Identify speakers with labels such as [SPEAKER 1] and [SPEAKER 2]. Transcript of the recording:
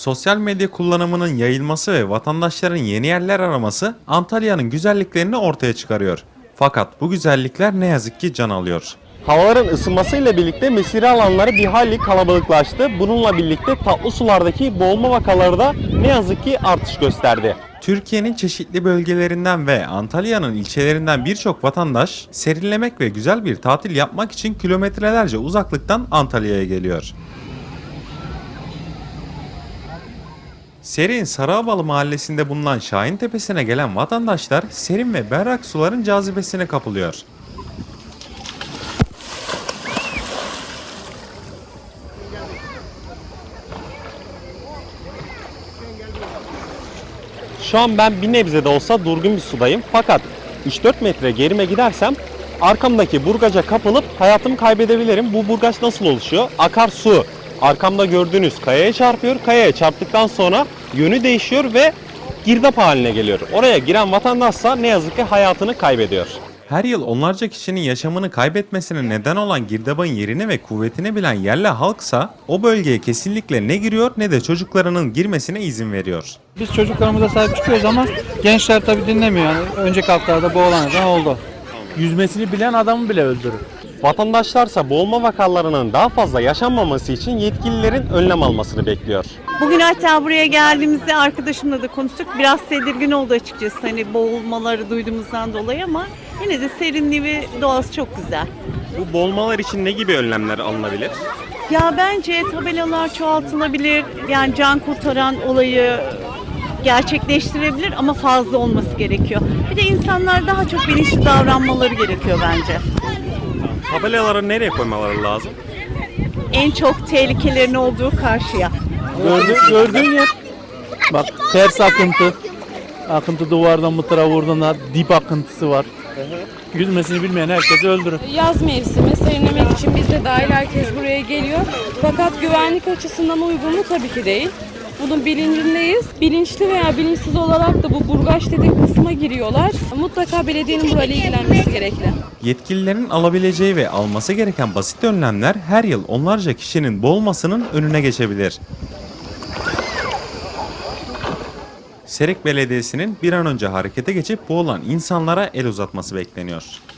[SPEAKER 1] Sosyal medya kullanımının yayılması ve vatandaşların yeni yerler araması Antalya'nın güzelliklerini ortaya çıkarıyor. Fakat bu güzellikler ne yazık ki can alıyor.
[SPEAKER 2] Havaların ısınmasıyla birlikte mesire alanları bir hayli kalabalıklaştı. Bununla birlikte tatlı sulardaki boğulma vakaları da ne yazık ki artış gösterdi.
[SPEAKER 1] Türkiye'nin çeşitli bölgelerinden ve Antalya'nın ilçelerinden birçok vatandaş serinlemek ve güzel bir tatil yapmak için kilometrelerce uzaklıktan Antalya'ya geliyor. Serin Sarıabalı mahallesinde bulunan Şahin Tepesi'ne gelen vatandaşlar serin ve berrak suların cazibesine kapılıyor.
[SPEAKER 2] Şu an ben bir nebze de olsa durgun bir sudayım. Fakat 3-4 metre gerime gidersem arkamdaki burgaca kapılıp hayatımı kaybedebilirim. Bu burgaç nasıl oluşuyor? Akarsu arkamda gördüğünüz kayaya çarpıyor. Kayaya çarptıktan sonra yönü değişiyor ve girdap haline geliyor. Oraya giren vatandaşsa ne yazık ki hayatını kaybediyor.
[SPEAKER 1] Her yıl onlarca kişinin yaşamını kaybetmesine neden olan girdabın yerini ve kuvvetini bilen yerli halksa o bölgeye kesinlikle ne giriyor ne de çocuklarının girmesine izin veriyor.
[SPEAKER 3] Biz çocuklarımıza sahip çıkıyoruz ama gençler tabii dinlemiyor. Yani önceki haftalarda boğulan adam oldu.
[SPEAKER 4] Yüzmesini bilen adamı bile öldürür.
[SPEAKER 2] Vatandaşlarsa boğulma vakalarının daha fazla yaşanmaması için yetkililerin önlem almasını bekliyor.
[SPEAKER 5] Bugün hatta buraya geldiğimizde arkadaşımla da konuştuk. Biraz tedirgin oldu açıkçası hani boğulmaları duyduğumuzdan dolayı ama yine de serinliği ve doğası çok güzel.
[SPEAKER 2] Bu boğulmalar için ne gibi önlemler alınabilir?
[SPEAKER 5] Ya bence tabelalar çoğaltılabilir. Yani can kurtaran olayı gerçekleştirebilir ama fazla olması gerekiyor. Bir de insanlar daha çok bilinçli davranmaları gerekiyor bence.
[SPEAKER 2] Tabelaları nereye koymaları lazım?
[SPEAKER 5] En çok tehlikelerin olduğu karşıya.
[SPEAKER 4] Gördüğün yer. Bak ters akıntı. Akıntı duvardan mıtıra vurduğunda dip akıntısı var. Yüzmesini bilmeyen herkesi öldürür.
[SPEAKER 6] Yaz mevsimi serinlemek için biz de dahil herkes buraya geliyor. Fakat güvenlik açısından uygun mu? Tabii ki değil. Bunun bilincindeyiz. Bilinçli veya bilinçsiz olarak da bu burgaç dediği kısma giriyorlar. Mutlaka belediyenin burayla ilgilenmesi gerekli.
[SPEAKER 1] Yetkililerin alabileceği ve alması gereken basit önlemler her yıl onlarca kişinin boğulmasının önüne geçebilir. Serik Belediyesi'nin bir an önce harekete geçip boğulan insanlara el uzatması bekleniyor.